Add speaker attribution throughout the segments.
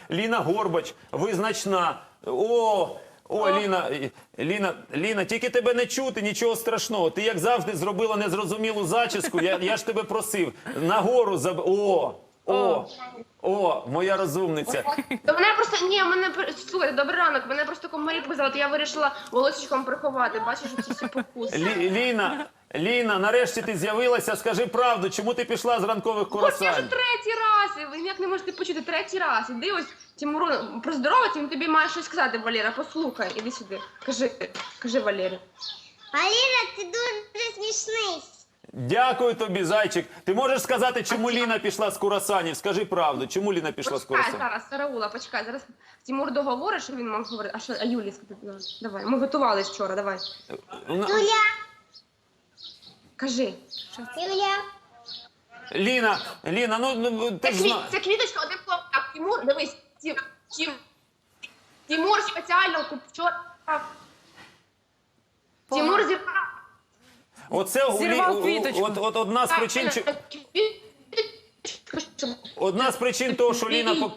Speaker 1: Ліна Горбач, визначна. Ліна, тільки тебе не чути, нічого страшного. Ти, як завжди, зробила незрозумілу зачіску. Я ж тебе просив. Нагору моя розумниця.
Speaker 2: То мене просто, слухай, добрий ранок, мене просто комарі показали, то я вирішила волосечком приховати, бачиш, ці всі покуси.
Speaker 1: Ліна, нарешті ти з'явилася, скажи правду, чому ти пішла з ранкових
Speaker 2: Ось я
Speaker 1: курасань?
Speaker 2: вже третій раз, ви ніяк не можете почути, третій раз. Іди ось, Тимуру, про здоров'я, він тобі має щось сказати, Валера, послухай, іди сюди, кажи, Валері.
Speaker 3: Валера, ти дуже смішний.
Speaker 1: Дякую тобі, зайчик. Ти можеш сказати, чому Ліна пішла з курасанів? Скажи правду, чому Ліна пішла з
Speaker 2: Почекай
Speaker 1: курасанів?
Speaker 2: зараз, Сараула, почекай, зараз Тимур договорить, що він мав говорити, а Юлі сказати, давай, ми готувались вчора, давай.
Speaker 3: Юля,
Speaker 2: Кажи.
Speaker 3: Юля.
Speaker 1: Ліна, ти ж знаєш.
Speaker 2: Це квіточка, один хлопчак, Тимур, дивись, Тимур спеціально вчора. Тимур зірвав.
Speaker 4: Зірвав квіточку.
Speaker 1: От одна з причин того, що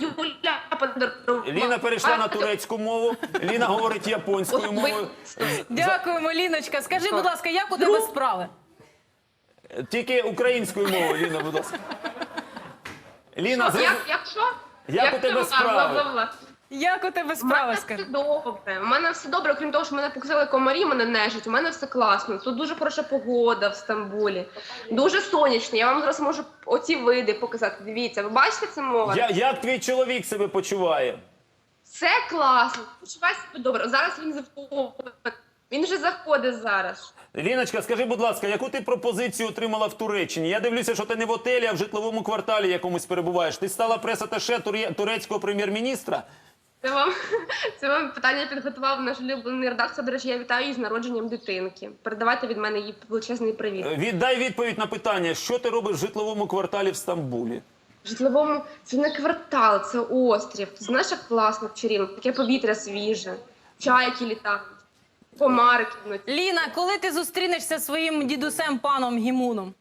Speaker 1: Ліна перейшла на турецьку мову, Ліна говорить японською мовою.
Speaker 4: Дякуємо, Ліночка. Скажи, будь ласка, як у тебе справи?
Speaker 1: Тільки українською мовою, Ліна, будь ласка. Ліна, як у тебе справи?
Speaker 4: Як у тебе справи, скажи?
Speaker 2: У мене все добре, окрім того, що мене покусали комарі, мене нежить, у мене все класно. Тут дуже хороша погода в Стамбулі. Дуже сонячно, я вам зараз можу оці види показати. Дивіться, ви бачите це море?
Speaker 1: Як твій чоловік себе почуває?
Speaker 2: Все класно, почувай себе добре. Зараз він заходить, він вже заходить зараз.
Speaker 1: Ліночка, скажи, будь ласка, яку ти пропозицію отримала в Туреччині? Я дивлюся, що ти не в готелі, а в житловому кварталі якомусь перебуваєш. Ти стала прес-аташе турецького прем'єр-міністра?
Speaker 2: Це вам питання підготував наш улюблений редактор. До речі, я вітаю її з народженням дитинки. Передавайте від мене їй величезний привіт.
Speaker 1: Дай відповідь на питання, що ти робиш в житловому кварталі в Стамбулі?
Speaker 2: В житловому це не квартал, це острів. Ти знаєш, як класно в чарівно, таке повітря свіже, чайки літають, комари киднуть.
Speaker 4: Ліна, коли ти зустрінешся зі своїм дідусем паном Гімуном?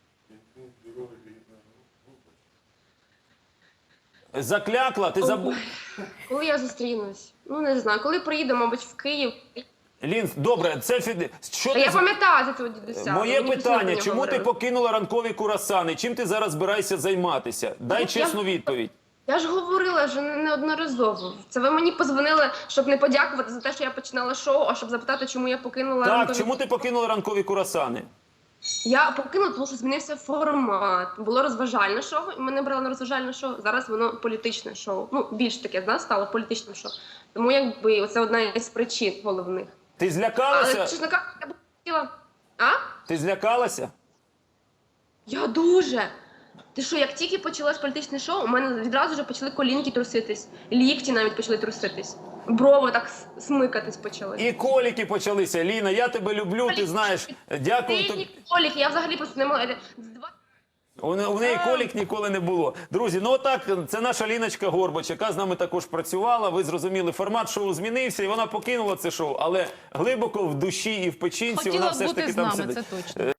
Speaker 1: Заклякла? Ти забув?
Speaker 2: Коли я зустрінусь? Ну, не знаю. Коли приїду, мабуть, в Київ.
Speaker 1: Лін, добре, що
Speaker 2: Я пам'ятаю за цього дідуся.
Speaker 1: Моє
Speaker 2: Мені постійно
Speaker 1: питання,
Speaker 2: про
Speaker 1: чому
Speaker 2: нього
Speaker 1: ти
Speaker 2: говорили.
Speaker 1: покинула ранкові курасани? Чим ти зараз збираєшся займатися? Дай чесну відповідь.
Speaker 2: Я ж говорила вже неодноразово. Це ви мені позвонили, щоб не подякувати за те, що я починала шоу, а щоб запитати, чому я покинула
Speaker 1: Так,
Speaker 2: ранкові...
Speaker 1: чому ти покинула ранкові курасани?
Speaker 2: Я покинула, тому що змінився формат. Було розважальне шоу, і мене брали на розважальне шоу. Зараз воно політичне шоу. Ну, більш таке, стало політичним шоу. Тому, якби, це одна із причин головних.
Speaker 1: Ти
Speaker 2: Але,
Speaker 1: злякалася?
Speaker 2: чесно кажучи, я б хотіла... А?
Speaker 1: Ти злякалася?
Speaker 2: Я дуже. Ти що, як тільки почалось політичне шоу, у мене відразу вже почали колінки труситись, лікті навіть почали труситись, брови так смикатись почали.
Speaker 1: І коліки почалися. Ліна, я тебе люблю, ти знаєш. Дякую тобі.
Speaker 2: Коліки, я взагалі просто не могла.
Speaker 1: У неї колік ніколи не було. Друзі, ну отак, це наша Ліночка Горбач, яка з нами також працювала. Ви зрозуміли, формат шоу змінився, і вона покинула це шоу. Але глибоко в душі і в печінці вона
Speaker 4: Хотіла
Speaker 1: все ж
Speaker 4: бути
Speaker 1: таки
Speaker 4: з
Speaker 1: там
Speaker 4: нами,
Speaker 1: сидить.
Speaker 4: це точно.